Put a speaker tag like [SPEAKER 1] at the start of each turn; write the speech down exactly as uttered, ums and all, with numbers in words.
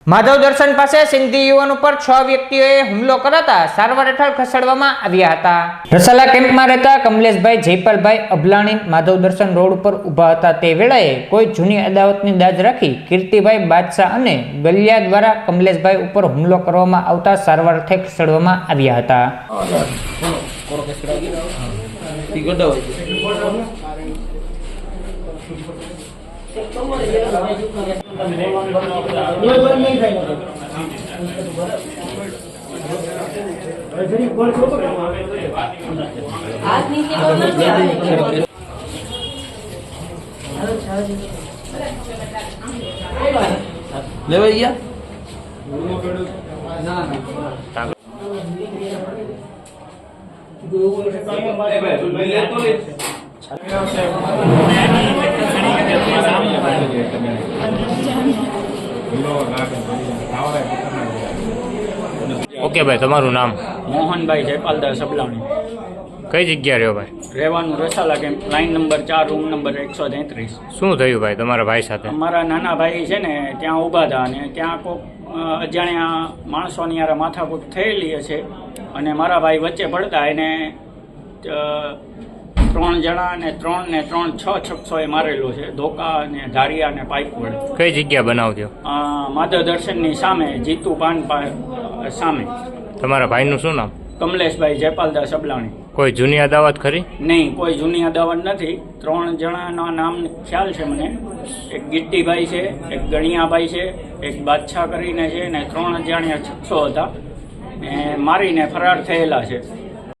[SPEAKER 1] માધવ દર્શન પાસે સિંધી યુવાન ઉપર છ વ્યક્તિઓએ હુમલો કરાતા સારવાર હેઠળ ખસેડવામાં આવ્યા હતા. રસાલા કેમ્પમાં રહેતા કમલેશભાઈ જયપાલભાઈ અભલાણી માધવ દર્શન રોડ ઉપર ઊભા હતા તે વેળાએ કોઈ જૂની અદાવતની દાજ રાખી કીર્તિભાઈ બાદશાહ અને ગલિયા દ્વારા કમલેશભાઈ ઉપર હુમલો કરવામાં આવતા સારવાર હેઠળ ખસેડવામાં આવ્યા હતા.
[SPEAKER 2] લેવાઈ ગયા
[SPEAKER 3] ઓકે ભાઈ, તમારું નામ?
[SPEAKER 4] મોહનભાઈ જયપાલદાસ અબલાણી.
[SPEAKER 3] કઈ જગ્યા રહ્યો ભાઈ?
[SPEAKER 4] રહેવાનું રસાલા કેમ્પ, લાઈન નંબર ચાર, રૂમ નંબર એકસો તેત્રીસ.
[SPEAKER 3] શું થયું ભાઈ તમારા ભાઈ સાથે?
[SPEAKER 4] અમારા નાના ભાઈ છે ને ત્યાં ઊભા હતા અને ત્યાં કોઈક અજાણ્યા માણસોની યાર માથાકૂટ થયેલી હશે અને મારા ભાઈ વચ્ચે પડતા એને ત્રણ જણા અને ત્રણ ને ત્રણ છ શખ્સોએ મારેલો છે, ધોકા અને ધારિયા અને પાઇપ વડે.
[SPEAKER 3] કઈ જગ્યા બનાવ થયો?
[SPEAKER 4] માધવ દર્શનની સામે, જીતુ પાન સામે.
[SPEAKER 3] તમારા ભાઈનું શું નામ?
[SPEAKER 4] કમલેશભાઈ જયપાલદાસ અબલાણી.
[SPEAKER 3] કોઈ જૂની અદાવત ખરી?
[SPEAKER 4] નહીં, કોઈ જૂની અદાવત નથી. ત્રણ જણાના નામ ખ્યાલ છે મને. એક ગિટ્ટીભાઈ છે, એક ગણિયાભાઈ છે, એક બાદશાહ કરીને છે, ને ત્રણ અજાણ્યા શખ્સો હતા ને મારીને ફરાર થયેલા છે.